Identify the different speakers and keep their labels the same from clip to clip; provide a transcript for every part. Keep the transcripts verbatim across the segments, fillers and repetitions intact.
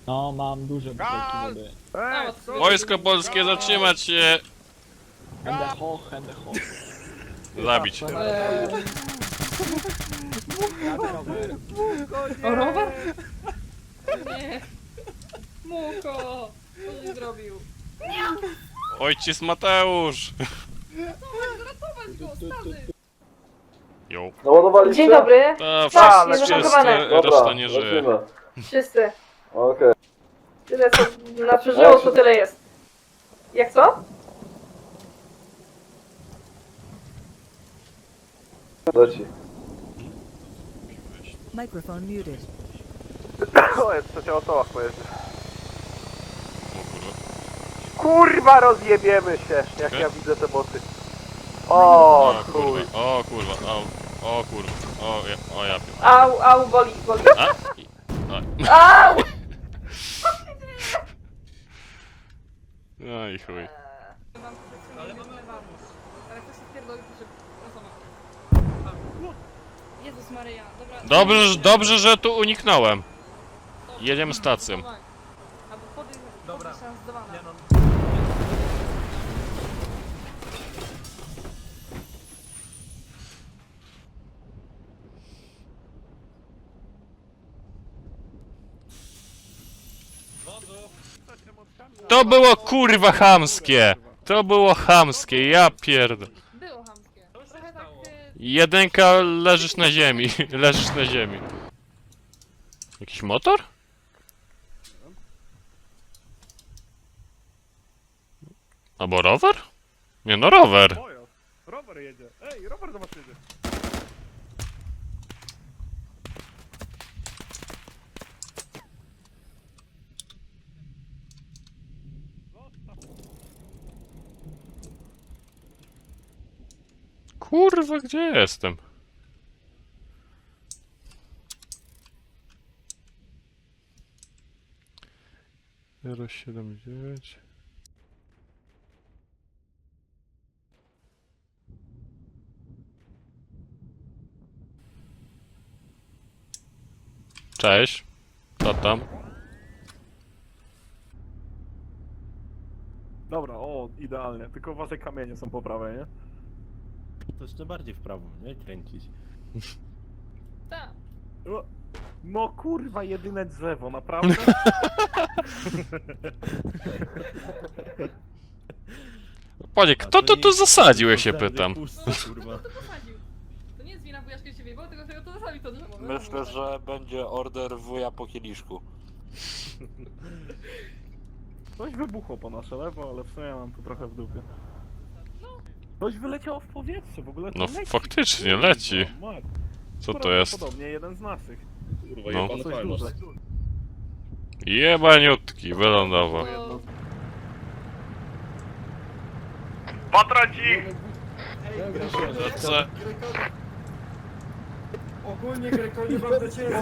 Speaker 1: No, mam duże butelki wody.
Speaker 2: Ej, co?
Speaker 3: Wojsko polskie, zatrzymać się!
Speaker 1: Hände hoch, hände hoch.
Speaker 3: Zabić.
Speaker 1: Eee. Rower.
Speaker 4: O, rower? Nie. Muko! Co żeś zrobił?
Speaker 3: Ojciec Mateusz!
Speaker 4: Ratować go, stary!
Speaker 3: Jo.
Speaker 5: Naładowaliście?
Speaker 6: Dzień dobry.
Speaker 3: To
Speaker 6: Tak,
Speaker 3: wszyscy, wszyscy,
Speaker 6: zatankowane.
Speaker 3: reszta nie żyje.
Speaker 5: lecimy.
Speaker 6: Wszyscy.
Speaker 5: Okej.
Speaker 6: Tyle co na przeżyło, to tyle jest. Jak co?
Speaker 5: Leci.
Speaker 7: Microphone muted.
Speaker 2: O, jest trzecia osoba pojedzie.
Speaker 3: O kurwa.
Speaker 2: Kurwa, rozjebiemy się, jak
Speaker 3: Czekaj.
Speaker 2: ja widzę te boty. O,
Speaker 3: O
Speaker 2: chuj.
Speaker 3: kurwa, o kurwa, o, o kurwa, o ja, o ja pier...
Speaker 6: Au, au, boli, boli.
Speaker 3: A? I- a.
Speaker 6: Au!
Speaker 3: No i chuj.
Speaker 4: Mam ale mamy ale ktoś się spierdolił, że... Jezus Maryja, dobra.
Speaker 3: Dobrze, że- dobrze, że tu uniknąłem. Jedziemy stacją.
Speaker 4: Albo podejść, dobra. Zdewana.
Speaker 3: To było kurwa chamskie! To było chamskie, ja pierd...
Speaker 4: Było chamskie. Trochę tak... y,
Speaker 3: Jedynka, leżysz na ziemi, leżysz na ziemi. Jakiś motor? Albo rower? Nie no, rower.
Speaker 2: Pojazd. Rower jedzie. Ej, rower do was jedzie.
Speaker 3: Kurwa, gdzie jestem? zero siedem dziewięć. Cześć. Co tam?
Speaker 2: Dobra, o, idealnie. Tylko uważaj, kamienie są po prawej, nie?
Speaker 8: To jeszcze bardziej w prawo, nie? Kręcić.
Speaker 4: Tak.
Speaker 2: O, no kurwa, jedyne drzewo, naprawdę?
Speaker 3: Panie, kto to tu zasadził, ja się pytam?
Speaker 8: Pusto, kurwa.
Speaker 4: To posadził. To nie jest wina wujaszka się wyjebał, tylko że to zasadził to drzewo.
Speaker 9: Myślę, że będzie order wuja po kieliszku.
Speaker 2: Coś wybuchło po nasze lewo, ale w sumie mam tu trochę w dupie. Coś wyleciało w powietrze, w ogóle to
Speaker 3: No
Speaker 2: leci.
Speaker 3: faktycznie,
Speaker 2: Kurwa,
Speaker 3: leci.
Speaker 2: mat.
Speaker 3: Co to jest?
Speaker 2: Prawdopodobnie jeden z naszych.
Speaker 3: No.
Speaker 2: To coś duże.
Speaker 3: Jebaniutki, wylądował.
Speaker 4: To...
Speaker 2: Patraci!
Speaker 3: Co?
Speaker 8: Ogólnie Greko nie mam do ciebie.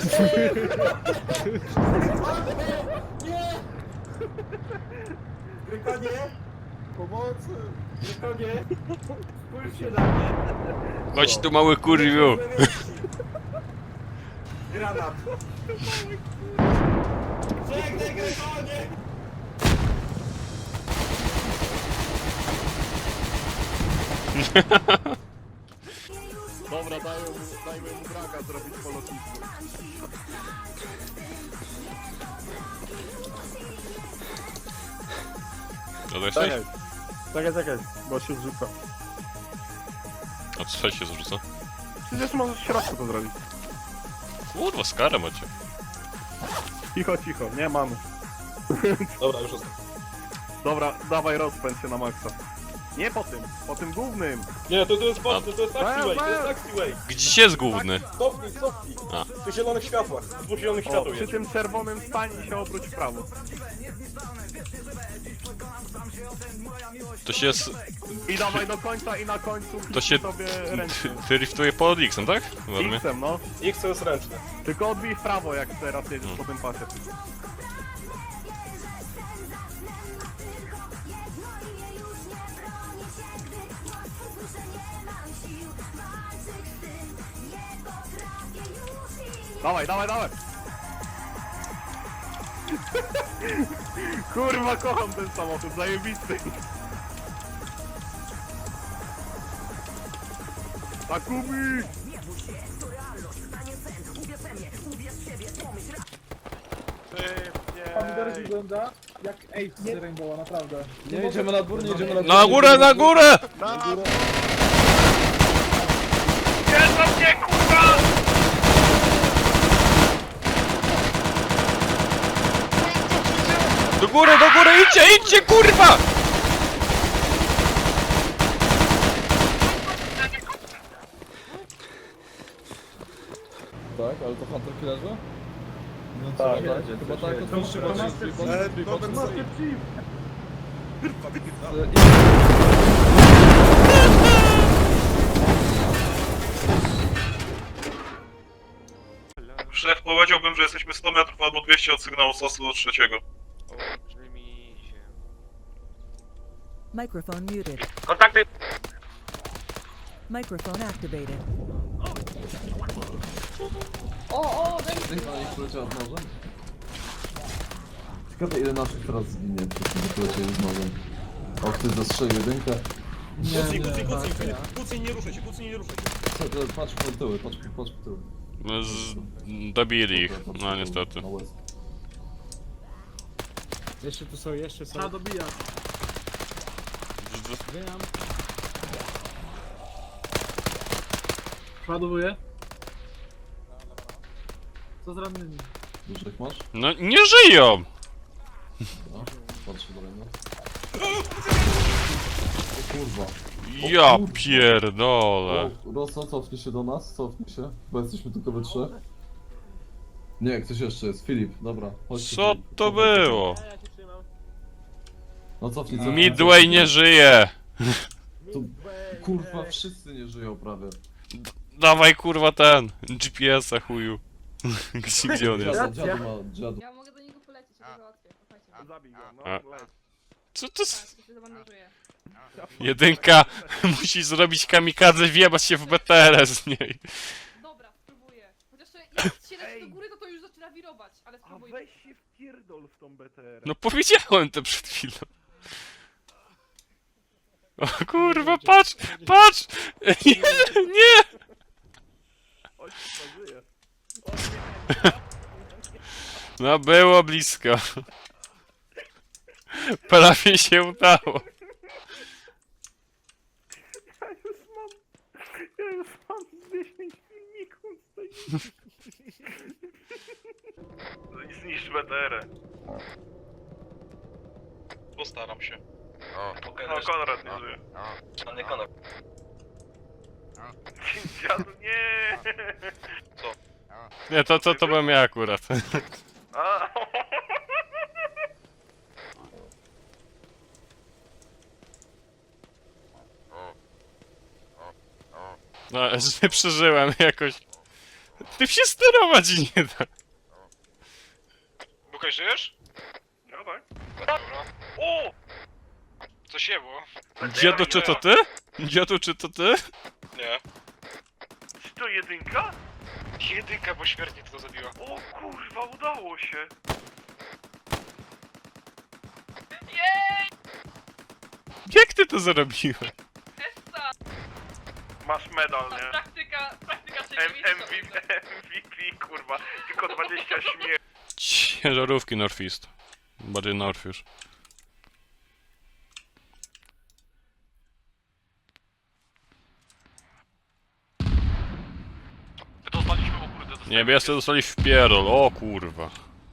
Speaker 8: Grekonie! Pomocy! Grekonie! Spójrz się na mnie!
Speaker 3: Chodź tu, mały kurwiu.
Speaker 8: Granat! Żegnaj Grekonie!
Speaker 2: Dobra, dajmy mu, dajmy mu braga zrobić po lotnisku.
Speaker 3: To jesteś?
Speaker 2: Czekaj, czekaj, czekaj, bo się zrzuca.
Speaker 3: A co się zrzuca?
Speaker 2: Przecież możesz w środku to zrobić.
Speaker 3: Kurwa, skarę macie.
Speaker 2: Cicho, cicho, nie mamy.
Speaker 9: Dobra, już jest.
Speaker 2: Dobra, dawaj rozpędź się na maksa. Nie po tym, po tym głównym.
Speaker 9: Nie, to, to jest boczny, to jest
Speaker 2: taxiway, to jest
Speaker 9: taxiway.
Speaker 3: Gdzie jest główny?
Speaker 9: Stopnij, stopnij.
Speaker 3: A.
Speaker 9: W tych zielonych światłach, w dwóch zielonych
Speaker 2: O,
Speaker 9: światłach
Speaker 2: przy
Speaker 9: jest.
Speaker 2: tym czerwonym stań i się obróć w prawo.
Speaker 3: To się jest...
Speaker 2: I dawaj do końca i na końcu
Speaker 3: To się...
Speaker 2: sobie ręcznie.
Speaker 3: Driftuje pod X-em, tak? Ładnie.
Speaker 2: X-em, no.
Speaker 9: X to jest ręczne.
Speaker 2: Tylko odbij w prawo, jak teraz jedziesz
Speaker 3: No.
Speaker 2: po tym pasie. Dawaj, dawaj, dawaj! Kurwa, kocham ten samochód, zajebisty. Takumi!
Speaker 8: Pomidor wygląda jak Ace z Rainbowa, naprawdę.
Speaker 1: Nie jedziemy na dwór, nie jedziemy na dwór.
Speaker 3: Na górę, na górę!
Speaker 2: Na
Speaker 1: górę.
Speaker 2: Jezu mnie, kurwa!
Speaker 3: Do góry, do góry, idźcie, idźcie, kurwa!
Speaker 1: Tak, ale to Hunter Killerze? No
Speaker 2: Tak,
Speaker 1: co,
Speaker 2: tak.
Speaker 1: chyba tak, to
Speaker 8: To
Speaker 1: trzeba
Speaker 8: Master
Speaker 1: trzy,
Speaker 8: Chief.
Speaker 1: trzy, trzy,
Speaker 8: Dobry
Speaker 1: trzy,
Speaker 8: Master
Speaker 1: trzy.
Speaker 8: Chief.
Speaker 7: Szef, powiedziałbym, że jesteśmy sto metrów albo dwieście od sygnału sosu do trzeciego.
Speaker 10: Microphone muted.
Speaker 2: Kontakty!
Speaker 10: Microphone activated.
Speaker 6: O, o,
Speaker 1: Niech na nich poleciała z nożem. Ciekawe ile naszych teraz zginie, przez tym polecieli z nożem. O, ktoś zastrzelił jedynkę.
Speaker 9: Kucnij, kucnij, kucnij, Filip. Kucnij, nie ruszaj się, kucnij, nie ruszaj się.
Speaker 1: Co, to patrz po tyły, patrz, patrz po tyły.
Speaker 3: No, z... Dobili ich, no niestety.
Speaker 1: Na łez.
Speaker 8: Jeszcze tu są, jeszcze są. Trzeba dobijać. Wiem. Ładowuję. Co z rannymi?
Speaker 1: Dużych masz?
Speaker 3: No nie żyją!
Speaker 1: No, patrzę dalej, no. O kurwa.
Speaker 3: Ja pierdolę.
Speaker 1: O, Rosso, cofnij się do nas, cofnij się, bo jesteśmy tylko we trzech. Nie, ktoś jeszcze jest, Filip, dobra. Chodźcie,
Speaker 3: Co
Speaker 1: Filip.
Speaker 3: to było?
Speaker 1: No cofnij, cofnij.
Speaker 3: Midway nie żyje!
Speaker 1: Tu, kurwa, wszyscy nie żyją prawie.
Speaker 3: Dawaj kurwa ten, G P S-a chuju. Gdzie, gdzie on jest?
Speaker 1: Dziadu, dziadu ma, dziadu.
Speaker 6: Ja mogę do niego polecieć, ja go załatwię. Słuchajcie.
Speaker 2: Zabij go, no,
Speaker 3: A.
Speaker 2: leć.
Speaker 3: Co to jest?
Speaker 6: Tak, to się zabandażuje.
Speaker 3: Jedynka musi zrobić kamikadze, wjebać się w B T R z niej.
Speaker 6: Dobra, spróbuję. Chociaż jak się leci do góry, to to już zaczyna wirować, ale
Speaker 2: A
Speaker 6: spróbuję.
Speaker 2: weź się wpierdol w tą B T R.
Speaker 3: No powiedziałem to przed chwilą. O kurwa, patrz, patrz! Nie, nie!
Speaker 2: Chodź, żyje.
Speaker 3: No było blisko. Prawie się udało.
Speaker 2: Ja już mam... Ja już mam dziesięć filmików z tej... Zniszcz B T R.
Speaker 7: Postaram się.
Speaker 2: No, Konrad nie żyje.
Speaker 7: Żadny Konrad.
Speaker 2: Dziadu, nie!
Speaker 3: Nie, to co to byłem ja akurat.
Speaker 2: A.
Speaker 3: No, że przeżyłem jakoś. Ty się sterować nie da.
Speaker 7: Bukaj, żyjesz?
Speaker 2: No tak.
Speaker 7: Dobra. O! Co się było?
Speaker 3: Dziadu, czy to ty? Dziadu, czy to ty?
Speaker 7: Nie.
Speaker 2: Czy to jedynka?
Speaker 7: Jedynka, bo śmiertnie to zabiła.
Speaker 2: O kurwa, udało się!
Speaker 3: Jak ty to zrobiłeś?
Speaker 6: Essa!
Speaker 2: Masz medal, nie?
Speaker 6: Praktyka, praktyka
Speaker 2: M
Speaker 6: trzecia
Speaker 2: M V P, kurwa. Tylko dwadzieścia śmierci.
Speaker 3: Ciężarówki Northeast. Bardziej North już.
Speaker 7: Dostaliśmy, o kurde, dostaliśmy.
Speaker 3: Niebiescy dostali w pierdol, o kurwa.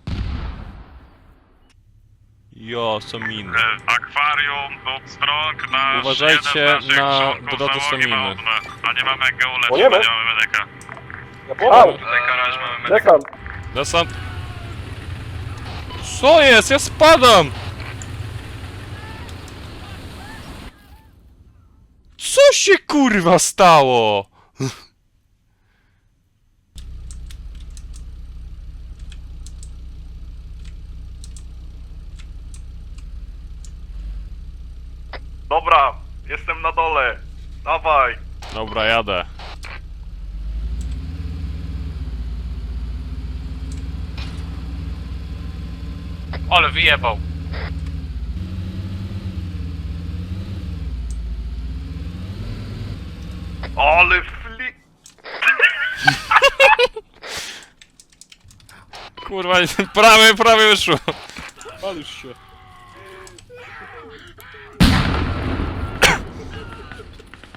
Speaker 3: Jo, co miny.
Speaker 7: Akwarium do strąg na
Speaker 3: Uważajcie na drodze staminy.
Speaker 7: A nie mamy geoletu,
Speaker 2: Płyniemy?
Speaker 7: nie mamy medyka.
Speaker 5: Ja pomogę.
Speaker 7: Dekaraż mamy medyka.
Speaker 5: Czekam.
Speaker 3: Desant. Co jest? Ja spadam! Co się kurwa stało?
Speaker 2: Dobra, jestem na dole. Dawaj.
Speaker 3: Dobra, jadę. Ale wyjebał.
Speaker 7: Ale fli...
Speaker 3: Kurwa, prawie, prawie wyszło.
Speaker 2: Palisz się.